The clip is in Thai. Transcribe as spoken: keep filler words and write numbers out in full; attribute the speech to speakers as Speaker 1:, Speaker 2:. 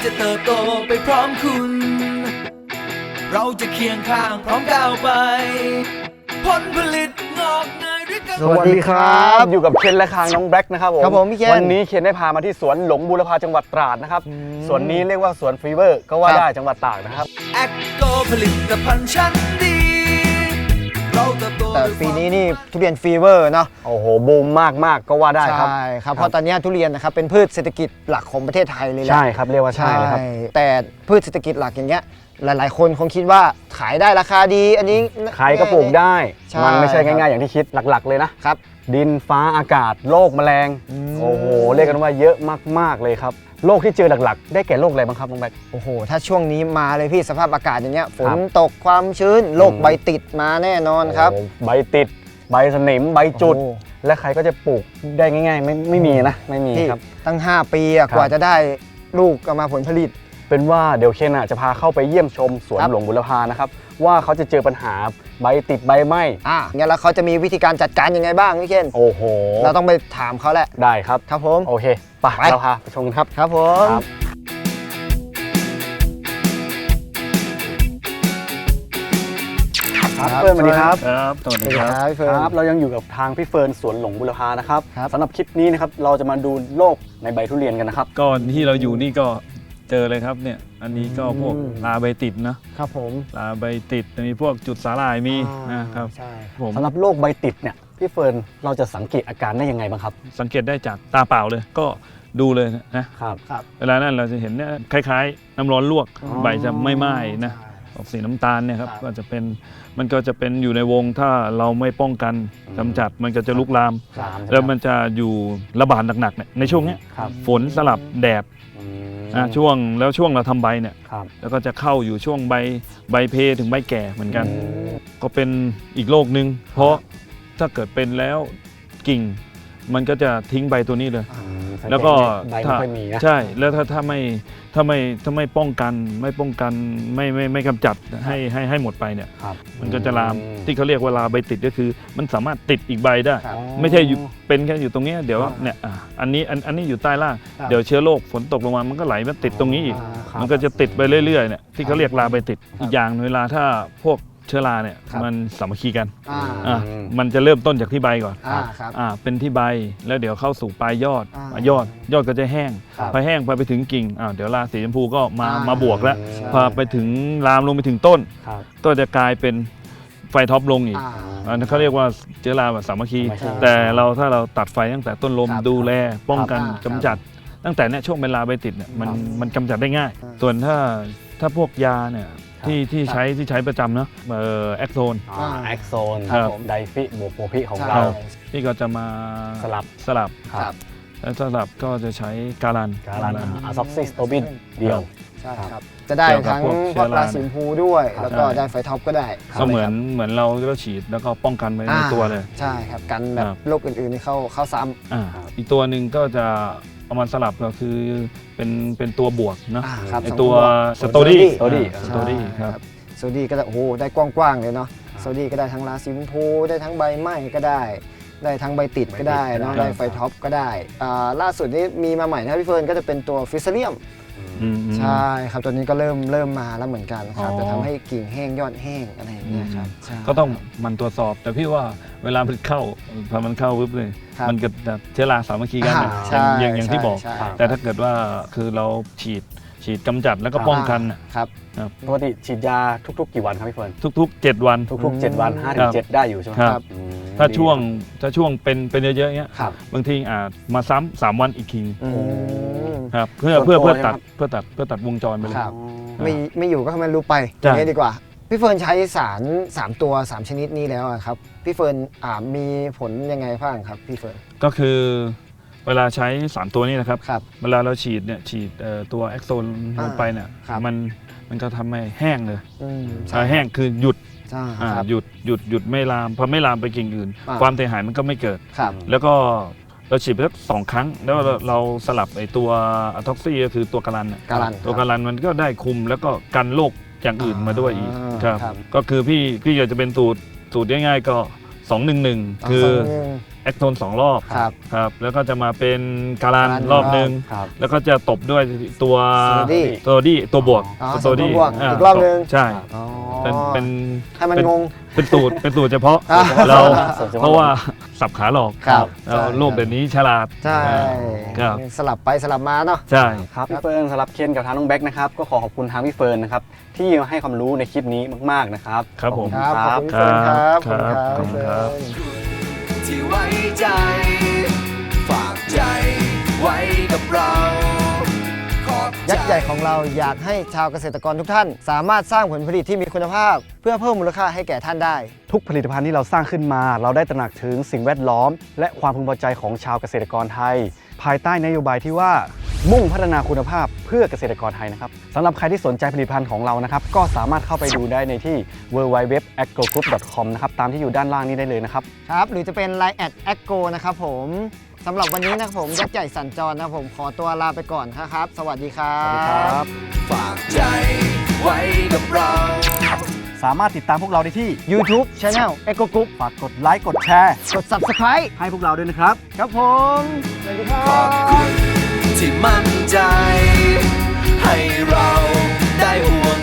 Speaker 1: จะเติบโตไปพร้อมคุณเราจะเคียงข้างพร้อมก้าวไปผลผลิตงอกเงยด้วยกัน
Speaker 2: สวัสดีครับอยู่กับเคนและคางน้องแบล็กนะครับผม
Speaker 3: ครับผมพี่เคน
Speaker 2: วันนี้เคนได้พามาที่สวนหลงบูรพาจังหวัดตราดนะครับสวนนี้เรียกว่าสวนฟีเวอร์ก็ว่าได้จังหวัดตากนะครับ
Speaker 1: แอคโกผลิตภัณฑ์ชั้นดีเราเติบโต
Speaker 3: แต่ปีนี้นี่ทุเรียนฟีเวอร์เนาะ
Speaker 2: โอ้โหบูมมากมากๆก็ว่าได้ครับ
Speaker 3: ใช่ครับเพราะตอนนี้ทุเรียนนะครับเป็นพืชเศรษฐกิจหลักของประเทศไทยเลยแหละ
Speaker 2: ใช่ครับเรียกว่าใช่เลยครับ
Speaker 3: แต่พืชเศรษฐกิจหลักอย่างเงี้ยหลายๆ คนคงคิดว่าขายได้ราคาดีอันนี้
Speaker 2: ใครก็ปลูกได้
Speaker 3: ใช่
Speaker 2: มันไม่ใช่
Speaker 3: ครับ
Speaker 2: ง่ายๆอย่างที่คิดหลักๆเลยนะครับ ดินฟ้าอากาศโรคแมลง
Speaker 3: อืม
Speaker 2: โอ้โหเรียกกันว่าเยอะมากๆเลยครับโรคที่เจอหลักๆ ได้แก่โรคอะไรบ้างครับน้องแบล็ก
Speaker 3: โอ้โหถ้าช่วงนี้มาเลยพี่สภาพอากาศอย่างเงี้ยฝน
Speaker 2: ครับ
Speaker 3: ตกความชื้นโรค
Speaker 2: อืม
Speaker 3: ใบติดมาแน่นอนครับ
Speaker 2: โอ้โหใบติดใบสนิมใบจุด
Speaker 3: โอ้โห
Speaker 2: และใครก็จะปลูกได้ง่ายๆ ไม่ไม่มีนะไม่มี
Speaker 3: พี่
Speaker 2: ครับ
Speaker 3: ตั้ง ห้า ปีอะ
Speaker 2: ครับ
Speaker 3: กว่าจะได้ลูกออกมาผลผลิต
Speaker 2: เป็นว่าเดี๋ยวเคนอ่ะจะพาเข้าไปเยี่ยมชมสวน
Speaker 3: ครับ
Speaker 2: หลวงบุรพานะครับว่าเขาจะเจอปัญหาใบติดใบไหม้
Speaker 3: อ่ะงั้นแล้วเขาจะมีวิธีการจัดการยังไงบ้างพี่เคน
Speaker 2: โอ้โห
Speaker 3: เราต้องไปถามเขาแหละ
Speaker 2: ได้ครับ
Speaker 3: ครับผม
Speaker 2: โอเคไป
Speaker 3: ไป
Speaker 2: เราพาไปชมกันครับ
Speaker 3: ครับผม
Speaker 2: ครับครับเฟิร์นสวัสดีครับ
Speaker 4: ครับสวัส
Speaker 3: สวั
Speaker 4: ดี
Speaker 3: สดี
Speaker 4: ค
Speaker 3: ครับ รับพี่เฟิร์น
Speaker 2: ครับเรายังอยู่กับทางพี่เฟิร์นสวนหลวงบุรพานะครับ
Speaker 3: ครับ
Speaker 2: สำหรับคลิปนี้นะครับเราจะมาดูโรคในใบทุเรียนกันนะครับ
Speaker 4: ก็ที่เราอยู่นี่ก็เจอเลยครับเนี่ยอันนี้ก็พวกลาใบติดนะครับ
Speaker 3: ผม
Speaker 4: ลาใบติดมีพวกจุดสาหร่ายมี
Speaker 3: อ่า
Speaker 4: นะครับ
Speaker 3: ใช่
Speaker 4: ผม
Speaker 2: สำหรับโรคใบติดเนี่ยพี่เฟิร์นเราจะสังเกตอาการได้ยังไงบ้างครับ
Speaker 4: สังเกตได้จากตาเปล่าเลยก็ดูเลยนะครับ
Speaker 3: ครับ
Speaker 4: เวลานั้นเราจะเห็นเนี่ยคล้ายๆ น้ำร้อนลวก
Speaker 3: อ๋อ
Speaker 4: ใบจะไม่ไหม้นะ
Speaker 3: ใช่
Speaker 4: ออกสีน้ำตาลเนี่ยครับ
Speaker 3: ครับ
Speaker 4: ก็จะเป็นมันก็จะเป็นอยู่ในวงถ้าเราไม่ป้องกันกำจัดมันก็จะลุกลาม
Speaker 2: สาม
Speaker 4: แล้วมันจะอยู่ระบาดหนักๆเนี่ยในช่วงเนี้ย
Speaker 2: ครับ
Speaker 4: ฝนสลับแดด
Speaker 2: อืม
Speaker 4: อ่ะช่วงแล้วช่วงเราทำใบเนี่ย
Speaker 2: ครับ
Speaker 4: แล้วก็จะเข้าอยู่ช่วงใบใบเพถึงใบแก่เหมือนกัน
Speaker 2: อืม
Speaker 4: ก็เป็นอีกโรคนึง เพราะถ้าเกิดเป็นแล้วกิ่ง มันก็จะทิ้งใบตัวนี้เลย
Speaker 2: อืม
Speaker 4: แล้วก็
Speaker 2: ใบไม่
Speaker 4: ถ้า
Speaker 2: ค่อยมีนะ
Speaker 4: ใช่แล้วถ้าถ้าไม่ถ้าไม่ถ้าไม่ป้องกันไม่ป้องกันไม่ไม่ไม่กำจัดให้ให้ให้หมดไปเนี่ย
Speaker 2: ครับ
Speaker 4: มันก็จะลาม
Speaker 2: อื
Speaker 4: ที่เขาเรียกว่าลาใบติดก็คือ มันสามารถติดอีกใบได้
Speaker 3: ครับ
Speaker 4: ไม่ใช่อยู่เป็นแค่อยู่ตรงเนี้ยเดี๋ยว
Speaker 2: ครับ
Speaker 4: เนี่ยอ่ะอันนี้อันอันนี้อยู่ใต้ล่าง
Speaker 3: ครับ
Speaker 4: เดี๋ยวเชื้อโรคฝนตกลงมามันก็ไหลมาติดตรงนี้อีก
Speaker 2: ครับ
Speaker 4: มันก็จะติดไปเรื่อยๆเนี่ยที่เขาเรียกลาใบติดอีกอย่างเวลาถ้าพวกเชื้อราเนี่ย
Speaker 3: ครับ
Speaker 4: มันสามัคคีกัน
Speaker 3: อ่า
Speaker 4: อ่ะมันจะเริ่มต้นจากที่ใบก่อน
Speaker 3: อ่าครับ
Speaker 4: อ่าเป็นที่ใบแล้วเดี๋ยวเข้าสู่ปลายยอด
Speaker 3: อ่า
Speaker 4: ปลายยอดยอดก็จะแห้ง
Speaker 3: ครับ
Speaker 4: พอแห้งพอไปถึงกิ่งอ่าเดี๋ยวราสีชมพูก็มา
Speaker 3: อ่าม
Speaker 4: มาบวกแล้ว
Speaker 2: ใช่
Speaker 4: พอไปถึงลามลงไปถึงต้น
Speaker 2: ครับ
Speaker 4: ก็จะกลายเป็นไฟท็อปลงอีก
Speaker 3: อ่า
Speaker 4: อันนั้นเขาเรียกว่าเชื้อราแบบสามัคคี
Speaker 2: สามัคคี
Speaker 4: แต่เราถ้าเราตัดไฟตั้งแต่ต้นลม
Speaker 3: ครับ
Speaker 4: ดูแลป้องกัน
Speaker 3: ครับ
Speaker 4: กำจัด ตั้งแต่เนี่ยช่วงเป็นลาใบติดเนี่ยมัน
Speaker 3: ครับ
Speaker 4: มันกำจัดได้ง่าย
Speaker 3: อ่า
Speaker 4: ส่วนถ้าถ้าพวกยาเนี่ยที่ที่ใช้ที่ใช้ประจำเนาะเอ่อแอคโซน
Speaker 2: อ่าแอคโซน
Speaker 4: ครับ
Speaker 2: ไดฟิโบโปพิของ
Speaker 3: ใช่
Speaker 2: เรา
Speaker 4: นี่ก็จะมา
Speaker 2: สลับ
Speaker 4: สลับ
Speaker 3: ครับ
Speaker 4: แล้วสลับก็จะใช้การัน
Speaker 2: การันอะซ็อกซิสโตบินเดียว
Speaker 3: ใช่ครับ จะได้
Speaker 4: เกี่ยวกับ
Speaker 3: ทั้ง
Speaker 4: พวกเชื้อรา
Speaker 3: ราสีชมพูด้วย
Speaker 2: ครับ
Speaker 3: แล้วก็
Speaker 4: ใช่
Speaker 3: ได้ไฟท็อปก็ได้
Speaker 4: ก็เหมือนเหมือนเราก็ฉีดแล้วก็ป้องกันไว้ใน
Speaker 3: อ่า
Speaker 4: ตัวเลย
Speaker 3: ใช่ครับกันแบบ
Speaker 4: ครับ
Speaker 3: โรคอื่นๆที่เข้าเข้าซ้ำ
Speaker 4: อ่าอีกตัวหนึ่งก็จะเอามาสลับก็คือเป็นเป็นตัวบวกเนาะ
Speaker 3: อ่าครับ
Speaker 4: ไอ
Speaker 3: สอง
Speaker 4: ตัว
Speaker 3: ตัว
Speaker 4: สตอรี่
Speaker 2: Story
Speaker 4: สตอรี่ครับ
Speaker 3: โซดี้ก็ได้โอ้โหได้กว้างๆเลยเนาะโซดี้ก็ได้ทั้งราสีชมพูได้ทั้งใบไหม้ก็ได้ ได้ทั้งใบติดก็ได้เนาะ
Speaker 2: ใบติดก็ได้
Speaker 3: ได้ไฟท็อปก็ได้อ่าล่าสุดนี้มีมาใหม่นะครับพี่เฟิร์นก็จะเป็นตัวฟิสเซเลียม
Speaker 4: อืม
Speaker 3: ใช่ครับตัวนี้ก็เริ่มเริ่มมาแล้วเหมือนกันครับ
Speaker 4: อ๋อ
Speaker 3: จะทำให้กิ่งแห้งยอดแห้งอะไรอย่างเงี้ยครับใช่
Speaker 4: ก็ต้องมันตรวจสอบ แต่พี่ว่าเวลามันเข้าพอมันเข้าปุ๊บเลย
Speaker 3: ครับ
Speaker 4: มันก็จะเชื้อราสามัคคีกัน
Speaker 3: อ่า
Speaker 4: นะ
Speaker 3: ใช่
Speaker 4: อย่างอย่างที่บอก
Speaker 3: ใช่ใช่
Speaker 4: แต่ถ้าเกิดว่าคือเราฉีดฉีดกำจัดแล้วก็ป้องกันน่ะ
Speaker 3: ครับ
Speaker 2: ปกติฉีดยาทุกๆกี่วันครับพี่เฟิร์น
Speaker 4: ทุกๆ เจ็ดวัน
Speaker 2: ทุกๆเจ็ดวันห้าถึงเจ็ดได้อยู่ใช่ไหม
Speaker 4: ครับ
Speaker 2: อืม
Speaker 4: ถ้าช่วงถ้าช่วงเป็นเป็นเยอะๆอย่างเงี้ย
Speaker 2: ครับ
Speaker 4: บางทีอาจมาซ้ำสามวันอีกที
Speaker 3: อืม
Speaker 4: ครับเพื่อ
Speaker 2: ส่วน
Speaker 4: เพื่อ
Speaker 2: ตัว
Speaker 4: เพื่อ
Speaker 2: เนี่ย
Speaker 4: ตัด
Speaker 2: ครับ
Speaker 4: เพื่อตัดเพื่อตัดวงจรไปเลย
Speaker 3: ครับ
Speaker 2: อ๋อ
Speaker 3: ไม่ไม่อยู่ก็ให้มันรู้ไปอ
Speaker 4: ใช่
Speaker 3: ย่างนี้ดีกว่า พี่เฟิร์นใช้สารสามตัวสามชนิดนี้แล้วอะครับพี่เฟิร์นอ่ามีผลยังไงบ้างครับพี่เฟิร์น
Speaker 4: ก็คือเวลาใช้สามตัวนี้นะครับ
Speaker 3: ครับ
Speaker 4: เวลาเราฉีดเนี่ยฉีดเอ่อตัวแอคโซนลงไปเนี่ย
Speaker 3: ครับ
Speaker 4: มันมันก็ทำให้แห้งเลย
Speaker 3: อืม
Speaker 4: อ่าแห้งคือหยุด
Speaker 3: ใช่
Speaker 4: อ่า
Speaker 3: ครับ
Speaker 4: หยุดหยุดหยุดไม่ลามพอไม่ลามไปกิ่งอื่น
Speaker 3: อ่า
Speaker 4: ความเสียหายมันก็ไม่เกิด
Speaker 3: ครับ
Speaker 4: แล้วก็เราฉีดไปสักสองครั้ง แล้วเราเราสลับไอ้ตัวอะท็อกซี่ก็คือตัวการันน่ะ
Speaker 3: การัน
Speaker 4: ตัวการันมันก็ได้คุมแล้วก็กันโรคอย่างอื่นมาด้วยอีก
Speaker 3: อ่า
Speaker 4: ครับ
Speaker 3: ครับ
Speaker 4: ก็คือพี่พี่อยากจะเป็นสูตรสูตรง่ายๆก็สองหนึ่งหนึ่งคือ แอคโทนสองรอบ
Speaker 3: ครับ
Speaker 4: ครับแล้วก็จะมาเป็นการัน
Speaker 3: การัน
Speaker 4: รอบหนึ่ง
Speaker 2: ครับ
Speaker 4: แล้วก็จะตบด้วยตัว
Speaker 3: Steady
Speaker 4: ตัวดี้ตัวบวก
Speaker 3: อ๋อ
Speaker 4: ตัวดี้
Speaker 3: ตัวบวก
Speaker 4: า
Speaker 3: อีกรอบหนึ่ง
Speaker 4: ใช่
Speaker 3: อ๋อ
Speaker 4: เป็นเป็น
Speaker 3: ให้มัน
Speaker 4: เป็น
Speaker 3: งง
Speaker 4: เป็นตูดเป็นตูดเฉพาะ
Speaker 3: อ่า
Speaker 4: เรา
Speaker 2: ส่วนเฉพาะ
Speaker 4: เพราะว่าสับขาหลอก
Speaker 3: ครับ
Speaker 4: เราโลกเดี๋ยวนี้ฉลาด
Speaker 3: ใช่
Speaker 4: ครับ
Speaker 3: สลับไปสลับมาเนาะ
Speaker 4: ใช่
Speaker 2: ครับพี่เฟิร์นสำหรับเคนกับทางน้องแบ็คนะครับก็ขอขอบคุณทางพี่เฟิร์นนะครับที่ให้ความรู้ในคลิปนี้มากๆนะครับ
Speaker 4: ครับผม
Speaker 3: ครับ ขอบคุณ
Speaker 4: ค
Speaker 3: พี่
Speaker 4: รั
Speaker 3: เฟิร์นครับ
Speaker 4: ครับ
Speaker 3: ขอบคุณครับ
Speaker 4: ขอบคุณครับ
Speaker 3: พี่เฟิร์น
Speaker 1: ที่ไว้ใจ ฝากใจไว้กับเราขอบใจ
Speaker 3: ยักษ์ใหญ่ของเราอยากให้ชาวเกษตรกรทุกท่าน สามารถสร้างผลผลิตที่มีคุณภาพ เพื่อเพิ่มมูลค่าให้แก่ท่านได้
Speaker 2: ทุกผลิตภัณฑ์ที่เราสร้างขึ้นมา เราได้ตระหนักถึงสิ่งแวดล้อม และความพึงพอใจของชาวเกษตรกรไทย ภายใต้นโยบายที่ว่ามุ่งพัฒนาคุณภาพเพื่อเกษตรกรไทยนะครับสำหรับใครที่สนใจผลิตภัณฑ์ของเรานะครับก็สามารถเข้าไปดูได้ในที่ ดับเบิลยู ดับเบิลยู ดับเบิลยู ดอท แอคโกรกรุ๊ป ดอท คอม นะครับตามที่อยู่ด้านล่างนี้ได้เลยนะครับ
Speaker 3: ครับ หรือจะเป็น ไลน์ แอท แอคโก นะครับผมสำหรับวันนี้นะครับผมยักษ์ใหญ่สัญจรนะครับผมขอตัวลาไปก่อนครับ สวัสดีครับ
Speaker 2: สวัสดีครับ
Speaker 1: ฝากใจไว้กับเรา
Speaker 2: สามารถติดตามพวกเราได้ที่
Speaker 3: YouTube Channel Echo Group
Speaker 2: ฝากกดไลค์กดแชร์
Speaker 3: กด Subscribe
Speaker 2: ให้พวกเราด้วยนะครับ
Speaker 3: ครับผมสวัสดีครั
Speaker 1: ขอบบ คุณที่มั่นใจ ให้เราได้ห่วง